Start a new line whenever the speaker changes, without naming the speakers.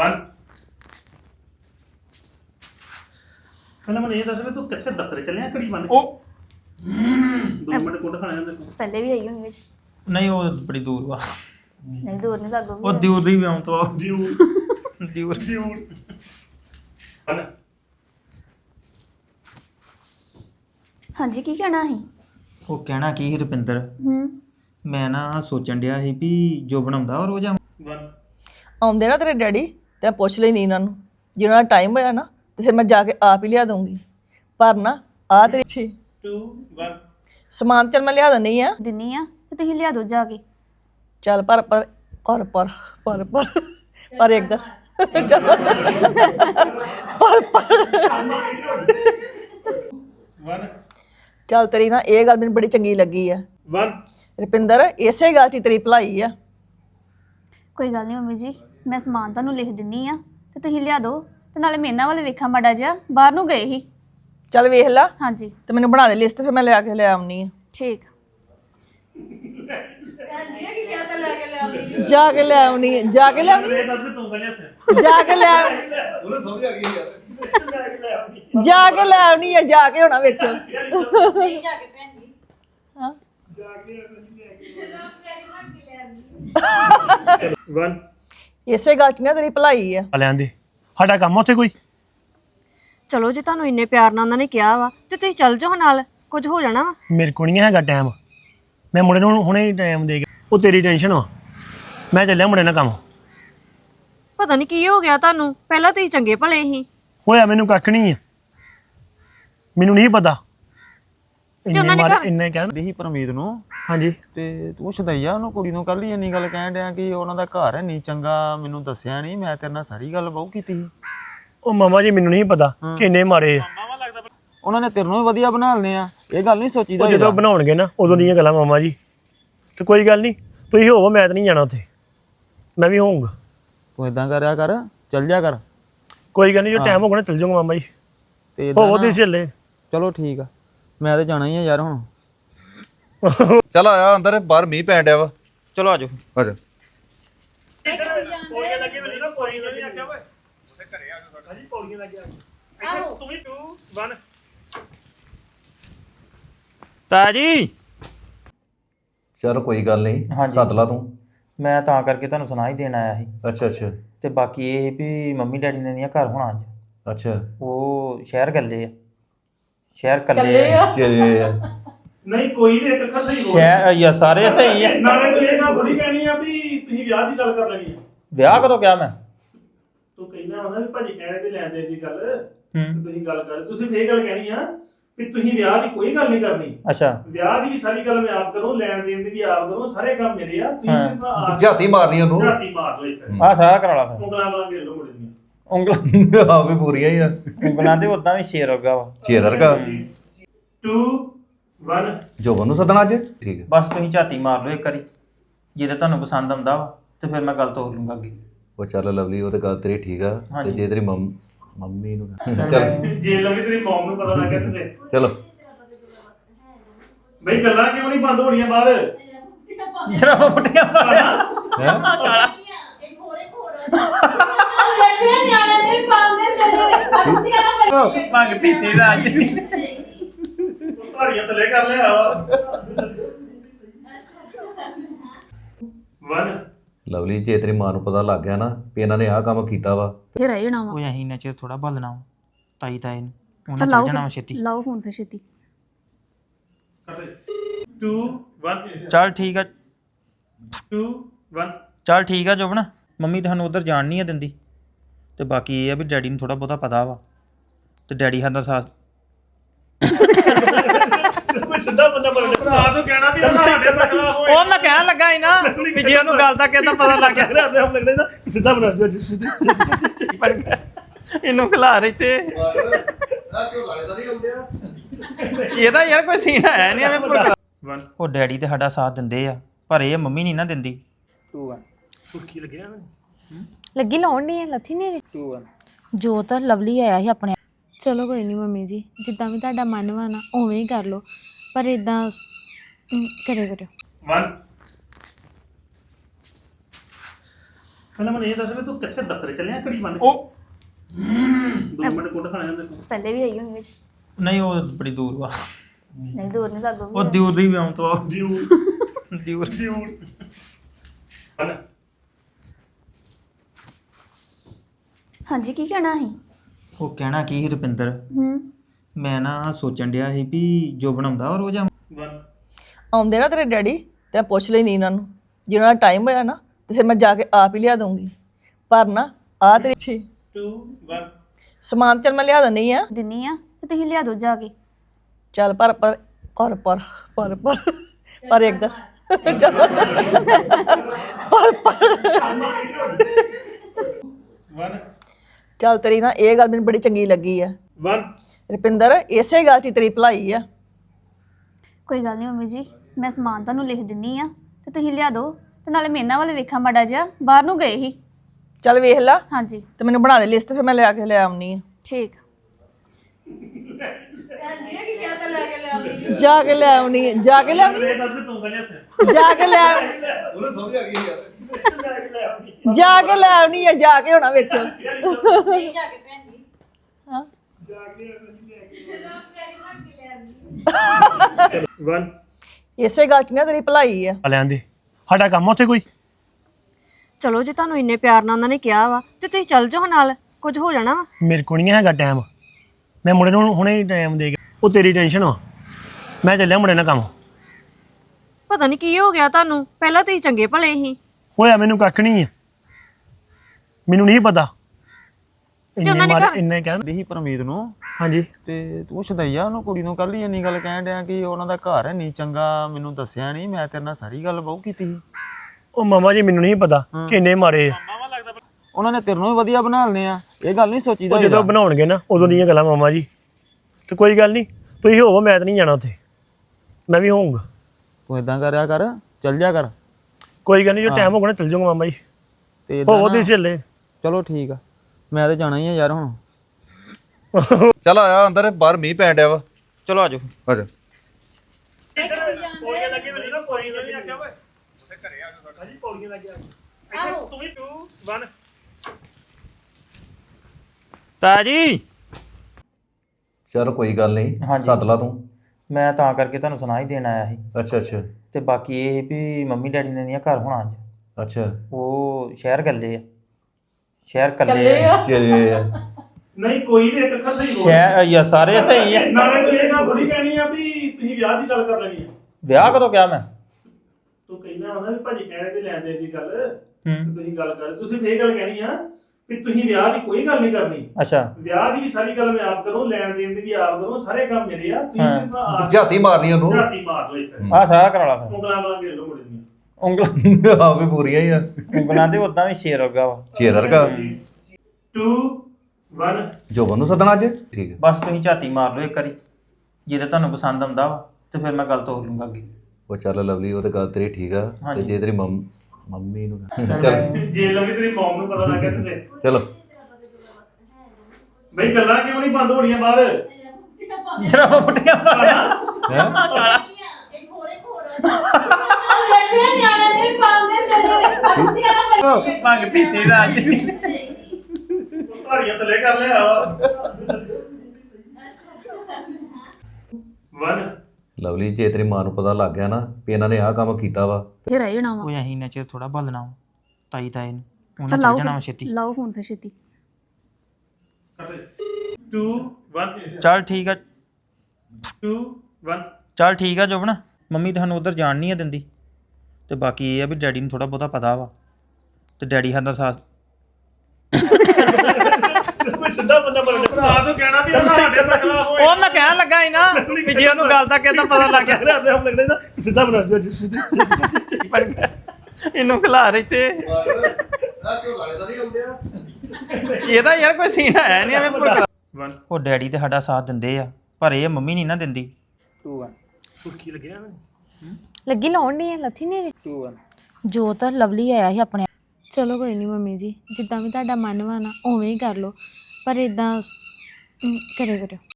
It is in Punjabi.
1 ਪਹਿਲਾਂ ਮੈਨੂੰ ਇਹ ਦੱਸ ਵੀ ਤੂੰ ਕਿੱਥੇ ਦਫ਼ਤਰ ਚੱਲਿਆ ਘੜੀ ਬੰਦ
ਉਹ
2 ਮਿੰਟ ਕੋਟ ਖਾਣਾ ਜਾਂਦੇ ਤੂੰ
ਪਹਿਲੇ ਵੀ ਆਈ ਹੋਣੀ ਵਿੱਚ
ਨਹੀਂ ਉਹ ਬੜੀ ਦੂਰ ਵਾ
ਨਹੀਂ ਦੂਰ ਨਹੀਂ ਲੱਗੋ
ਉਹ ਦੂਰ ਦੀ ਵੀ ਆਉਂ ਤੋਂ
ਦਿਉਰ
ਦੂਰ
ਹਣ
ਹਾਂਜੀ ਕੀ ਕਹਿਣਾ ਸੀ
ਉਹ ਕਹਿਣਾ ਕੀ ਸੀ ਰੁਪਿੰਦਰ
ਹੂੰ
ਮੈਂ ਨਾ ਸੋਚਣ ਡਿਆ ਸੀ ਵੀ ਜੋ ਬਣਾਉਂਦਾ ਉਹ ਰੋਜ਼
1
ਆਉਂਦੇ ਨਾ ਤੇਰੇ ਡੈਡੀ ਤੇ ਪੁੱਛ ਲਈ ਨਹੀਂ ਇਹਨਾਂ ਨੂੰ ਜੇ ਉਹਨਾਂ ਦਾ ਟਾਈਮ ਹੋਇਆ ਨਾ ਤੇ ਫਿਰ ਮੈਂ ਜਾ ਕੇ ਆਪ ਹੀ ਲਿਆ ਦੂੰਗੀ ਪਰ ਨਾ ਆ ਤੇਰੀ ਛੀ
2 1
ਸਮਾਨ ਚੱਲ ਮੈਂ ਲਿਆ ਦਿੰਦੀ ਆ
ਦਿੰਨੀ ਆ ਤੇ ਤੁਸੀਂ ਲਿਆ ਦਿਓ ਜਾ ਕੇ
ਚੱਲ ਪਰ ਇੱਕ ਚੱਲ। ਪਰ
1
ਚੱਲ ਤੇਰੀ ਨਾ ਇਹ ਗੱਲ ਮੈਨੂੰ ਬੜੀ ਚੰਗੀ ਲੱਗੀ ਆ
1
ਰੁਪਿੰਦਰ ਇਸੇ ਗੱਲ 'ਚ ਹੀ ਤੇਰੀ ਭਲਾਈ ਆ
ਕੋਈ ਗੱਲ ਨਹੀਂ ਮੰਮੀ ਜੀ ਮੈਂ ਸਮਾਨ ਤੁਹਾਨੂੰ ਲਿਖ ਦਿੰਨੀ ਆ ਤੇ ਤੁਸੀਂ ਲਿਆ ਦਿਓ ਤੇ ਨਾਲੇ ਮੈਂ ਇਹਨਾਂ ਵਾਲੇ ਵੇਖਾਂ ਮਾੜਾ ਜਿਹਾ ਬਾਹਰ ਨੂੰ ਗਏ ਸੀ
ਚੱਲ ਵੇਖ ਲਾ
ਹਾਂਜੀ
ਤੇ ਮੈਨੂੰ ਬਣਾ ਦੇ ਲਿਸਟ ਫਿਰ ਮੈਂ ਲਿਆ ਕੇ ਲੈ ਆਉਣੀ ਆ
ਠੀਕ
ਜਾ ਕੇ ਲੈ ਆਉਣੀ ਆ ਜਾ ਕੇ ਲੈ ਆਉਣੀ
ਇਹ ਦੱਸ ਵੀ ਤੂੰ ਕਹਿੰਦਾ ਸੀ
ਜਾ ਕੇ ਲੈ ਆਉਣੀ
ਉਹਨੂੰ ਸਮਝ ਆ ਗਈ ਯਾਰ
ਜਾ ਕੇ ਲੈ ਆਉਣੀ ਆ ਜਾ ਕੇ ਹੋਣਾ ਵੇਖਿਓ ਹਾਂ
1
ਇਸੇ ਗੱਲ 'ਚ ਨਾ ਤੇਰੀ ਭਲਾਈ ਆ
ਲੈਣ ਦੇ ਸਾਡਾ ਕੰਮ ਉੱਥੇ ਕੋਈ
ਚਲੋ ਜੇ ਤੁਹਾਨੂੰ ਇੰਨੇ ਪਿਆਰ ਨਾਲ ਉਹਨਾਂ ਨੇ ਕਿਹਾ ਵਾ ਤੇ ਤੁਸੀਂ ਚੱਲ ਜਾਓ ਨਾਲ ਕੁਝ ਹੋ ਜਾਣਾ ਵਾ
ਮੇਰੇ ਕੋਲ ਨਹੀਂ ਹੈਗਾ ਟਾਈਮ ਮੈਂ ਮੁੰਡੇ ਨੂੰ ਹੁਣੇ ਹੀ ਟਾਈਮ ਦੇ ਗਿਆ ਉਹ ਤੇਰੀ ਟੈਨਸ਼ਨ ਵਾ ਮੈਂ ਚੱਲਿਆ ਮੁੰਡੇ ਨਾਲ ਕੰਮ
ਪਤਾ ਨਹੀਂ ਕੀ ਹੋ ਗਿਆ ਤੁਹਾਨੂੰ ਪਹਿਲਾਂ ਤੁਸੀਂ ਚੰਗੇ ਭਲੇ ਸੀ
ਹੋਇਆ ਮੈਨੂੰ ਕੱਖ ਨਹੀਂ ਆ ਮੈਨੂੰ ਨਹੀਂ ਪਤਾ ਇੰਨੇ ਕਹਿੰਦੇ
ਹੀ ਪਰਮੀਤ ਨੂੰ
ਹਾਂਜੀ
ਤੇ ਤੂੰ ਛਦਈਆ ਉਹਨੂੰ ਕੁੜੀ ਨੂੰ ਕੱਲ ਹੀ ਇੰਨੀ ਗੱਲ ਕਹਿਣ ਡਿਆ ਕਿ ਉਹਨਾਂ ਦਾ ਘਰ ਹੈ ਨਹੀਂ ਚੰਗਾ ਮੈਨੂੰ ਦੱਸਿਆ ਨਹੀਂ ਮੈਂ ਤੇਰੇ ਨਾਲ ਸਾਰੀ ਗੱਲ ਬਹੁ ਕੀਤੀ ਸੀ
ਉਹ ਮਾਮਾ ਜੀ ਮੈਨੂੰ ਨਹੀਂ ਪਤਾ ਕਿ ਇੰਨੇ ਮਾਰੇ ਆ।
ਉਹਨਾਂ ਨੇ ਤੇਰੇ ਨੂੰ ਵੀ ਵਧੀਆ ਬਣਾ ਲਨੇ ਆ ਇਹ ਗੱਲ ਨਹੀਂ ਸੋਚੀਦਾ
ਉਹ ਜਦੋਂ ਬਣਾਉਣਗੇ ਨਾ ਉਦੋਂ ਦੀਆਂ ਗੱਲਾਂ ਮਾਮਾ ਜੀ ਤੇ ਕੋਈ ਗੱਲ ਨਹੀਂ ਤੁਸੀਂ ਹੋਵੋ ਮੈਂ ਤਾਂ ਨਹੀਂ ਜਾਣਾ ਉੱਥੇ ਮੈਂ ਵੀ ਹੋਊਂਗਾ
ਤੂੰ ਇਦਾਂ ਕਰਿਆ ਕਰ ਚੱਲ ਜਾ ਕਰ
ਕੋਈ ਗੱਲ ਨਹੀਂ ਜੋ ਟਾਈਮ ਹੋਗਾ ਨਾ ਚੱਲ ਜਾਊਂਗਾ ਮਾਮਾ ਜੀ
ਤੇ ਏਦਾਂ
ਹੋਵੋ
ਨਾ-
ਤੁਸੀਂ ਚੱਲੇ
ਚਲੋ ਠੀਕ ਆ ਮੈਂ ਤਾਂ ਜਾਣਾ ਹੀ ਆ ਯਾਰ ਹੁਣ
ਚੱਲ ਆਇਆ ਅੰਦਰ ਬਾਹਰ ਮੀਂਹ ਪੈਣ ਡਿਆ ਵਾ
ਚਲੋ ਆਜੋ
ਆ ਜਾ
ਪੌੜੀਆਂ ਲੱਗੇ ਮੈਨੂੰ ਨਾ ਪੌੜੀਆਂ ਨਹੀਂ ਆਖਿਆ ਓਏ ਉੱਥੇ ਘਰੇ ਆ ਜਾ ਹਾਂਜੀ ਪੌੜੀਆਂ ਲੱਗੇ ਆਹੋ ਤੂੰ ਵੀ 2 1
ਤਾਜੀ
ਚਲ ਕੋਈ ਗੱਲ ਨਹੀਂ
ਹਾਂਜੀ।
ਸੱਦ ਲਾ ਤੂੰ
ਮੈਂ ਤਾਂ ਕਰਕੇ ਤੁਹਾਨੂੰ ਸੁਣਾ ਹੀ ਦੇਣ ਆਇਆ ਸੀ
ਅੱਛਾ ਅੱਛਾ
ਤੇ ਬਾਕੀ ਇਹ ਵੀ ਮੰਮੀ ਡੈਡੀ ਨੇ ਨਹੀਂ ਘਰ ਹੋਣਾ ਅੱਜ
ਅੱਛਾ
ਉਹ ਸ਼ਹਿਰ ਗੱਲੇ ਆ ਸ਼ਹਿਰ ਕੱਲੇ ਆ
ਚਲੇ ਯਾਰ
ਨਹੀਂ ਕੋਈ ਨਹੀਂ ਇੱਕ ਅੱਖਰ ਸਹੀ
ਸ਼ਹਿਰ ਯਾ ਸਾਰੇ ਸਹੀ ਆ
ਨਾਲੇ ਤੂੰ ਇਹ ਗੱਲ ਥੋੜੀ ਕਹਿਣੀ ਆ ਵੀ ਤੁਸੀਂ ਵਿਆਹ ਦੀ ਗੱਲ ਕਰ ਲੈਣੀ ਆ
ਵਿਆਹ ਕਦੋਂ ਕਿਹਾ ਮੈਂ
ਤੂੰ ਕਹਿੰਦਾ ਹੁੰਦਾ ਵੀ ਭਾਜੀ ਕਹਿਣੇ ਵੀ ਲੈਣ ਦੇਣ ਦੀ ਗੱਲ
ਹੂੰ
ਤੇ ਤੁਸੀਂ ਗੱਲ ਕਰ ਤੁਸੀਂ ਇਹ ਗੱਲ ਕਹਿਣੀ ਆ ਵੀ ਤੁਸੀਂ ਵਿਆਹ ਦੀ ਕੋਈ ਗੱਲ ਨਹੀਂ ਕਰਨੀ
ਅੱਛਾ
ਵਿਆਹ ਦੀ ਵੀ ਸਾਰੀ ਗੱਲ ਮੈਂ ਆਪ ਕਰੂੰ ਲੈਣ ਦੇਣ ਦੀ ਵੀ ਆਪ ਕਰੂੰ ਸਾਰੇ ਕੰਮ ਮੇਰੇ ਆ ਤੁਸੀਂ
ਹਾਂ।
ਸਿਰਫ ਆਪ
ਝਾਤੀ ਮਾਰਨੀ ਉਹਨੂੰ
ਝਾਤੀ ਮਾਰ ਲਓ ਇੱਕ
ਆ ਸਾਰਾ ਕਰਾ ਲਾ ਫਿਰ
ਉਂਗਲਾਂ ਵਾਲਾ ਦੇ ਲਓ ਮੁੰਡੇ ਦੀਆਂ
ਉਂਗਲਾਂ
ਆ ਵੀ ਪੂਰੀਆਂ ਹੀ ਆ
ਉਂਗਲਾਂ ਤੇ ਉਦਾਂ ਵੀ ਸ਼ੇਰ ਵਰਗਾ ਵਾ
ਚੇਰਰ ਕਾ
2 1
ਜੋਬਨ ਨੂੰ ਸੱਦਣਾ ਅੱਜ ਠੀਕ ਹੈ
ਬਸ ਤੁਸੀਂ ਝਾਤੀ ਮਾਰ ਲਓ ਇੱਕ ਵਾਰੀ ਜੇ ਤਾਂ ਤੁਹਾਨੂੰ ਪਸੰਦ ਆਉਂਦਾ ਵਾ ਤੇ ਫਿਰ ਮੈਂ ਗੱਲ ਤੋਰ ਲੂੰਗਾ ਅੱਗੇ
ਉਹ ਚੱਲ ਲਵਲੀ ਉਹ ਤੇ ਗੱਲ ਤੇਰੀ ਠੀਕ ਆ ਤੇ
ਹਾਂਜੀ।
ਜੇ ਤੇਰੀ ਮੰਮੀ ਨੂੰ ਚੱਲ
ਜੇ ਲੱਗੇ ਤੇਰੀ ਮੌਮ ਨੂੰ ਪਤਾ ਲੱਗ ਗਿਆ ਤੇ
ਚਲੋ
ਬਈ ਗੱਲਾਂ ਕਿਉਂ ਨਹੀਂ ਬੰਦ ਹੋਣੀਆਂ ਬਾਹਰ
ਸ਼ਰਾਬਾਂ ਫੁੱਟੀਆਂ
ਹੈ
ਭੰਗ ਪੀਤੀ ਦਾ ਅੱਜ
ਭਾਰੀਆਂ ਥੱਲੇ ਕਰ ਲਿਆ 1
ਲਵਲੀ ਜੇ ਤੇਰੀ ਮਾਂ ਨੂੰ ਪਤਾ ਲੱਗ ਗਿਆ ਨਾ ਵੀ ਇਹਨਾਂ ਨੇ ਆਹ ਕੰਮ ਕੀਤਾ ਵਾ
ਫਿਰ ਰਹਿ ਜਾਣਾ ਵਾ
ਉਹ ਅਸੀਂ ਇੰਨਾ ਚਿਰ ਥੋੜਾ ਬਲਣਾ ਵਾ ਤਾਈ ਤਾਏ ਨੂੰ ਉਹਨਾਂ
ਚੱਲ
ਚੱਲ
ਲਾਓ
ਜਾਣਾ ਵਾ
ਫਿਰ,
ਛੇਤੀ
ਲਾਓ ਫੋਨ ਫਿਰ ਛੇਤੀ
2 1
ਚੱਲ ਠੀਕ ਆ
2 1
ਚੱਲ ਠੀਕ ਆ ਜੋਬਨ ਮੰਮੀ ਤੁਹਾਨੂੰ ਉਧਰ ਜਾਣ ਨਹੀਂ ਆ ਦਿੰਦੀ ਤੇ ਬਾਕੀ ਇਹ ਆ ਵੀ ਡੈਡੀ ਨੂੰ ਥੋੜਾ ਬਹੁਤਾ ਪਤਾ ਵਾ ਤੇ ਡੈਡੀ ਸਾਡਾ ਸਾਥ
ਕੋਈ ਸਿੱਧਾ ਬੰਦਾ ਬਣ ਗਿਆ ਆ ਤੂੰ ਕਹਿਣਾ ਵੀ ਸਾਡੇ ਤੱਕ ਹੋਏ
ਉਹ ਮੈਂ ਕਹਿਣ ਲੱਗਾ ਸੀ ਨਾ ਵੀ ਜੇ ਉਹਨੂੰ ਗੱਲ ਦਾ ਕਿਹਦਾ ਪਤਾ ਲੱਗ ਗਿਆ
ਆਪਣੇ ਆਪ ਲੱਗਦਾ ਨਾ ਸਿੱਧਾ ਬਣਾ ਦਿਓ ਸਿੱਧੀ
ਇਹਨੂੰ ਖਿਲਾ ਰਹੀ ਤੇ ਇਹਦਾ ਯਾਰ ਕੋਈ ਸੀਨ ਆਇਆ ਨਹੀਂ ਐਵੇਂ
1
ਉਹ ਡੈਡੀ ਤੇ ਸਾਡਾ ਸਾਥ ਦਿੰਦੇ ਆ ਪਰ ਇਹ ਮੰਮੀ ਨਹੀਂ ਨਾ ਦਿੰਦੀ 2 1
ਸੁਰਖੀ ਲੱਗਿਆ ਨਾ
ਲੱਗੀ ਲਾਉਣ ਨਹੀਂ ਲੱਥੀ ਨਹੀਂ
2 1
ਜੋ ਤਾਂ ਲਵਲੀ ਆਇਆ ਸੀ ਆਪਣੇ ਚਲੋ ਕੋਈ ਨਹੀਂ ਮੰਮੀ ਜੀ ਜਿੱਦਾਂ ਵੀ ਤੁਹਾਡਾ ਮਨ ਵਾ ਨਾ ਉਵੇਂ ਹੀ ਕਰ ਲਓ ਪਰ ਇਦਾਂ ਕਰਿਓ
1
ਪਹਿਲਾਂ ਮੈਨੂੰ ਇਹ ਦੱਸ ਵੀ ਤੂੰ ਕਿੱਥੇ ਦਫ਼ਤਰ ਚੱਲਿਆ ਘੜੀ ਬੰਦ
ਉਹ
2 ਮਿੰਟ ਕੁੱਟ ਖਾਣਾ ਜਾਂਦੇ
ਪਹਿਲੇ ਵੀ ਆਈ ਹੋਣੀ ਵਿੱਚ
ਨਹੀਂ ਉਹ ਬੜੀ ਦੂਰ ਵਾ
ਨਹੀਂ ਦੂਰ ਨਹੀਂ ਲੱਗੋ
ਉਹ ਦੂਰ ਦੀ ਵੀ ਆਉਂ ਤੋਂ ਦੂਰ
ਹਾਂਜੀ ਕੀ ਕਹਿਣਾ ਸੀ
ਉਹ ਕਹਿਣਾ ਕੀ ਸੀ ਰੁਪਿੰਦਰ
ਹੂੰ
ਮੈਂ ਨਾ ਸੋਚਣ ਡਿਆ ਸੀ ਵੀ ਜੋ ਬਣਾਉਂਦਾ ਉਹ ਰੋਜ਼
ਆਉਂਦੇ ਨਾ ਤੇਰੇ ਡੈਡੀ ਤੇ ਪੁੱਛ ਲਈ ਨਹੀਂ ਇਹਨਾਂ ਨੂੰ ਜੇ ਉਹਨਾਂ ਦਾ ਟਾਈਮ ਹੋਇਆ ਨਾ ਤੇ ਫਿਰ ਮੈਂ ਜਾ ਕੇ ਆਪ ਹੀ ਲਿਆ ਦੂੰਗੀ ਪਰ ਨਾ ਆ ਤੇਰੀ ਛੀ
2 1
ਸਮਾਨ ਚੱਲ ਮੈਂ ਲਿਆ ਦਿੰਦੀ ਆ
ਦਿੰਨੀ ਆ ਤੇ ਤੁਸੀਂ ਲਿਆ ਦਿਓ ਜਾ ਕੇ
ਚੱਲ ਪਰ ਇੱਕ ਚੱਲ ਤੇਰੀ ਨਾ ਇਹ ਗੱਲ ਮੈਨੂੰ ਬੜੀ ਚੰਗੀ ਲੱਗੀ ਆ
1
ਰੁਪਿੰਦਰ ਇਸੇ ਗੱਲ 'ਚ ਹੀ ਤੇਰੀ ਭਲਾਈ ਆ
ਕੋਈ ਗੱਲ ਨਹੀਂ ਮੰਮੀ ਜੀ ਮੈਂ ਸਮਾਨ ਤੁਹਾਨੂੰ ਲਿਖ ਦਿੰਨੀ ਆ ਤੇ ਤੁਸੀਂ ਲਿਆ ਦਿਓ ਤੇ ਨਾਲੇ ਮੇਰੇ ਨਾਲ ਵਾਲੇ ਵੇਖਾਂ ਮਾੜਾ ਜਿਹਾ ਬਾਹਰ ਨੂੰ ਗਏ ਸੀ
ਚੱਲ ਵੇਖ ਲਾ
ਹਾਂਜੀ
ਤੇ ਮੈਨੂੰ ਬਣਾ ਦੇ ਲਿਸਟ ਫਿਰ ਮੈਂ ਲਿਆ ਕੇ ਲੈ ਆਉਣੀ ਆ
ਠੀਕ
ਜਾ ਕੇ ਲੈ ਆਉਣੀ ਆ ਜਾ ਕੇ ਲੈ ਆਉਣੀ
ਇਹ ਦੱਸ ਵੀ ਤੂੰ ਕਹਿੰਦਾ
ਜਾ ਕੇ ਲੈ
ਉਹਨੂੰ ਸਮਝ ਆ ਗਈ
ਜਾ ਕੇ ਲੈ ਆਉਣੀ ਆ ਜਾ ਕੇ ਹੋਣਾ ਵੇਖਿਓ ਹਾਂ
1
ਇਸੇ ਗੱਲ 'ਚ ਨਾ ਤੇਰੀ ਭਲਾਈ ਆ
ਲੈਣ ਦੇ ਸਾਡਾ ਕੰਮ ਉੱਥੇ ਕੋਈ
ਚਲੋ ਜੇ ਤੁਹਾਨੂੰ ਇੰਨੇ ਪਿਆਰ ਨਾਲ ਉਹਨਾਂ ਨੇ ਕਿਹਾ ਵਾ ਤੇ ਤੁਸੀਂ ਚੱਲ ਜਾਓ ਨਾਲ ਕੁਝ ਹੋ ਜਾਣਾ ਵਾ
ਮੇਰੇ ਕੋਲ ਨਹੀਂ ਹੈਗਾ ਟਾਈਮ ਮੈਂ ਮੁੰਡੇ ਨੂੰ ਹੁਣੇ ਹੀ ਟਾਈਮ ਦੇ ਗਿਆ ਉਹ ਤੇਰੀ ਟੈਨਸ਼ਨ ਵਾ ਮੈਂ ਚੱਲਿਆ ਮੁੰਡੇ ਨਾਲ ਕੰਮ
ਪਤਾ ਨਹੀਂ ਕੀ ਹੋ ਗਿਆ ਤੁਹਾਨੂੰ ਪਹਿਲਾਂ ਤੁਸੀਂ ਚੰਗੇ ਭਲੇ ਸੀ
ਹੋਇਆ ਮੈਨੂੰ ਕੱਖ ਨਹੀਂ ਹੈ ਮੈਨੂੰ ਨਹੀਂ ਪਤਾ ਇੰਨੇ ਕਹਿੰਦੇ
ਹੀ ਪਰਮੀਤ ਨੂੰ
ਹਾਂਜੀ
ਤੇ ਤੂੰ ਛਦਈਆ ਉਹਨੂੰ ਕੁੜੀ ਨੂੰ ਕੱਲ ਹੀ ਇੰਨੀ ਗੱਲ ਕਹਿਣ ਡਿਆ ਕਿ ਉਹਨਾਂ ਦਾ ਘਰ ਹੈ ਨਹੀਂ ਚੰਗਾ ਮੈਨੂੰ ਦੱਸਿਆ ਨਹੀਂ ਮੈਂ ਤੇਰੇ ਨਾਲ ਸਾਰੀ ਗੱਲ ਬਹੁ ਕੀਤੀ ਸੀ
ਉਹ ਮਾਮਾ ਜੀ ਮੈਨੂੰ ਨਹੀਂ ਪਤਾ ਕਿੰਨੇ ਮਾਰੇ ਆ।
ਉਹਨਾਂ ਨੇ ਤੇਰੇ ਨੂੰ ਵੀ ਵਧੀਆ ਬਣਾ ਲਨੇ ਆ ਇਹ ਗੱਲ ਨਹੀਂ ਸੋਚੀਦਾ
ਉਹ ਜਦੋਂ ਬਣਾਉਣਗੇ ਨਾ ਉਦੋਂ ਦੀਆਂ ਗੱਲਾਂ ਮਾਮਾ ਜੀ ਤੇ ਕੋਈ ਗੱਲ ਨਹੀਂ ਤੁਸੀਂ ਹੋਵੋ ਮੈਂ ਤਾਂ ਨਹੀਂ ਜਾਣਾ ਉੱਥੇ ਮੈਂ ਵੀ ਹੋਊਂਗਾ
ਤੂੰ ਇਦਾਂ ਕਰਿਆ ਕਰ ਚੱਲ ਜਾ ਕਰ
ਕੋਈ ਗੱਲ ਨਹੀਂ ਜੋ ਟਾਈਮ ਹੋਗਾ ਨਾ ਚੱਲ ਜਾਊਂਗਾ ਮਾਮਾ ਜੀ
ਤੇ ਏਦਾਂ
ਹੋਵੋ
ਨਾ-
ਤੁਸੀਂ ਚੱਲੇ
ਚਲੋ ਠੀਕ ਆ ਮੈਂ ਤਾਂ ਜਾਣਾ ਹੀ ਆ ਯਾਰ ਹੁਣ
ਚੱਲ ਆਇਆ ਅੰਦਰ ਬਾਹਰ ਮੀਂਹ ਪੈਣ ਡਿਆ ਵਾ
ਚਲੋ ਆਜੋ
ਆ ਜਾ
ਪੌੜੀਆਂ ਲੱਗੇ ਮੈਨੂੰ ਨਾ ਪੌੜੀਆਂ ਨਹੀਂ ਆਖਿਆ ਓਏ ਉੱਥੇ ਘਰੇ ਆ ਜਾ ਹਾਂਜੀ ਪੌੜੀਆਂ ਲੱਗਿਆ ਆਹੋ ਤੂੰ ਵੀ 2 1
ਤਾਜੀ
ਚਲ ਕੋਈ ਗੱਲ ਨਹੀਂ
ਹਾਂਜੀ।
ਸੱਦ ਲਾ ਤੂੰ
ਮੈਂ ਤਾਂ ਕਰਕੇ ਤੁਹਾਨੂੰ ਸੁਣਾ ਹੀ ਦੇਣ ਆਇਆ ਸੀ
ਅੱਛਾ ਅੱਛਾ
ਤੇ ਬਾਕੀ ਇਹ ਵੀ ਮੰਮੀ ਡੈਡੀ ਨੇ ਨਹੀਂ ਘਰ ਹੋਣਾ ਅੱਜ
ਅੱਛਾ
ਉਹ ਸ਼ਹਿਰ ਗੱਲੇ ਆ ਸ਼ਹਿਰ ਕੱਲੇ ਆ
ਚਲੇ
ਨਹੀਂ ਕੋਈ ਨਹੀਂ ਇੱਕ ਅੱਖਰ ਸਹੀ ਬੋਲ
ਸ਼ਹਿਰ ਯਾ ਸਾਰੇ ਸਹੀ ਆ
ਨਾਲੇ ਤੂੰ ਇਹ ਗੱਲ ਥੋੜੀ ਕਹਿਣੀ ਆ ਵੀ ਤੁਸੀਂ ਵਿਆਹ ਦੀ ਗੱਲ ਕਰ ਲੈਣੀ ਆ
ਵਿਆਹ ਕਦੋਂ ਕਿਹਾ ਮੈਂ
ਤੂੰ ਕਹਿੰਦਾ ਹੁੰਦਾ ਵੀ ਭਾਜੀ ਕਹਿਣੇ ਤੇ ਲੈਣ ਦੇਣ ਦੀ ਗੱਲ
ਹੂੰ
ਤੇ ਤੁਸੀਂ ਗੱਲ ਕਰ ਤੁਸੀਂ ਇਹ ਗੱਲ ਕਹਿਣੀ ਆ ਵੀ ਤੁਸੀਂ ਵਿਆਹ ਦੀ ਕੋਈ ਗੱਲ ਨਹੀਂ ਕਰਨੀ
ਅੱਛਾ
ਵਿਆਹ ਦੀ ਵੀ ਸਾਰੀ ਗੱਲ ਮੈਂ ਆਪ ਕਰੂੰ ਲੈਣ ਦੇਣ ਦੀ ਵੀ ਆਪ ਕਰੂੰ ਸਾਰੇ ਕੰਮ ਮੇਰੇ ਆ ਤੁਸੀਂ ਸਿਰਫ ਆਪ
ਝਾਤੀ ਮਾਰਨੀ ਉਹਨੂੰ
ਝਾਤੀ ਮਾਰ ਲਈ ਫਿਰ
ਆ ਸਾਰਾ ਕਰਾ ਲਾ ਫਿਰ
ਉਂਗਲਾਂ ਵਾਲਾ ਗੇਲ ਲੋ ਮੁੰਡੇ ਦੀਆਂ
ਉਂਗਲਾਂ
ਆ ਵੀ ਪੂਰੀਆਂ ਹੀ ਆ
ਉਂਗਲਾਂ ਤੇ ਉਦਾਂ ਵੀ ਸ਼ੇਰ ਵਰਗਾ ਵਾ
ਚੇਰ ਵਰਗਾ
2 1
ਜੋਬਨ ਨੂੰ ਸੱਦਣਾ ਅੱਜ ਠੀਕ ਹੈ
ਬਸ ਤੁਸੀਂ ਝਾਤੀ ਮਾਰ ਲਓ ਇੱਕ ਵਾਰੀ ਜੇ ਤਾਂ ਤੁਹਾਨੂੰ ਪਸੰਦ ਆਉਂਦਾ ਵਾ ਤੇ ਫਿਰ ਮੈਂ ਗੱਲ ਤੋਰ ਲੂੰਗਾ ਅੱਗੇ
ਉਹ ਚੱਲ ਲਵਲੀ ਉਹ ਤੇ ਗੱਲ ਤੇਰੀ ਠੀਕ ਆ ਤੇ
ਹਾਂਜੀ।
ਜੇ ਤੇਰੀ ਮੰਮੀ ਨੂੰ ਚੱਲ
ਜੇ ਲੱਗੇ ਤੇਰੀ ਮੌਮ ਨੂੰ ਪਤਾ ਲੱਗ ਗਿਆ ਤੇ
ਚਲੋ
ਬਈ ਗੱਲਾਂ ਕਿਉਂ ਨਹੀਂ ਬੰਦ ਹੋਣੀਆਂ ਬਾਹਰ
ਜਰਾ ਫੁੱਟੀਆਂ
ਹੈ
ਭੰਗ ਪੀਤੀ ਦਾ ਅੱਜ
ਧਾਰੀਆਂ ਥੱਲੇ ਕਰ ਲਿਆ 1
ਲਵਲੀ ਜੇ ਤੇਰੀ ਮਾਂ ਨੂੰ ਪਤਾ ਲੱਗ ਗਿਆ ਨਾ ਵੀ ਇਹਨਾਂ ਨੇ ਆਹ ਕੰਮ ਕੀਤਾ ਵਾ
ਫਿਰ ਰਹਿ ਜਾਣਾ ਵਾ
ਉਹ ਅਸੀਂ ਇੰਨਾ ਚਿਰ ਥੋੜਾ ਭੱਲਣਾ ਵਾ ਤਾਈ ਤਾਏ ਨੂੰ ਉਹਨਾਂ
ਚੱਲ
ਚੱਲ
ਲਾਓ
ਜਾਣਾ ਵਾ
ਫਿਰ,
ਛੇਤੀ
ਲਾਓ ਫੋਨ ਫਿਰ ਛੇਤੀ
2 1
ਚੱਲ ਠੀਕ ਆ
2 1
ਚੱਲ ਠੀਕ ਆ ਜੋਬਨ ਮੰਮੀ ਤੁਹਾਨੂੰ ਉਧਰ ਜਾਣ ਨਹੀਂ ਆ ਦਿੰਦੀ ਤੇ ਬਾਕੀ ਇਹ ਆ ਵੀ ਡੈਡੀ ਨੂੰ ਥੋੜਾ ਬਹੁਤਾ ਪਤਾ ਵਾ ਤੇ ਡੈਡੀ ਸਾਡਾ ਸਾਥ
ਕੋਈ ਸਿੱਧਾ ਬੰਦਾ ਬਣ ਜਾ ਭਰਾ ਤੋਂ ਕਹਿਣਾ ਵੀ ਉਹਨਾਂ ਸਾਡੇ ਦਾ ਖਿਲਾਫ ਹੋਏ
ਉਹ ਮੈਂ ਕਹਿਣ ਲੱਗਾ ਸੀ ਨਾ ਵੀ ਜੇ ਉਹਨੂੰ ਗੱਲ ਦਾ ਕਿਹਦਾ ਪਤਾ ਲੱਗ ਗਿਆ
ਹਮ ਲੱਗਦਾ ਨਾ ਸਿੱਧਾ ਬਣਾ ਦਿਓ ਜੀ
ਇਹਨੂੰ ਖਿਲਾ ਰਹੀ ਤੇ ਇਹਦਾ ਯਾਰ ਕੋਈ ਸੀਨ ਆਇਆ ਨਹੀਂ ਐਵੇਂ ਭੁਲਕਾ
1
ਉਹ ਡੈਡੀ ਤੇ ਸਾਡਾ ਸਾਥ ਦਿੰਦੇ ਆ ਪਰ ਇਹ ਮੰਮੀ ਨਹੀਂ ਨਾ ਦਿੰਦੀ 2 1
ਸੁਰਖੀ ਲੱਗਿਆ ਨਾ
ਲੱਗੀ ਲਾਉਣ ਨਹੀਂ ਹੈ ਲੱਥੀ ਨਹੀਂ
2 1
ਜੋ ਤਾਂ ਲਵਲੀ ਆਇਆ ਸੀ ਆਪਣੇ ਚਲੋ ਕੋਈ ਨਹੀਂ ਮੰਮੀ ਜੀ ਜਿੱਦਾਂ ਵੀ ਤੁਹਾਡਾ ਮਨ ਵਾ ਨਾ ਉਵੇਂ ਹੀ ਕਰ ਲਓ ਪਰ ਇਦਾਂ ਕਰਿਓ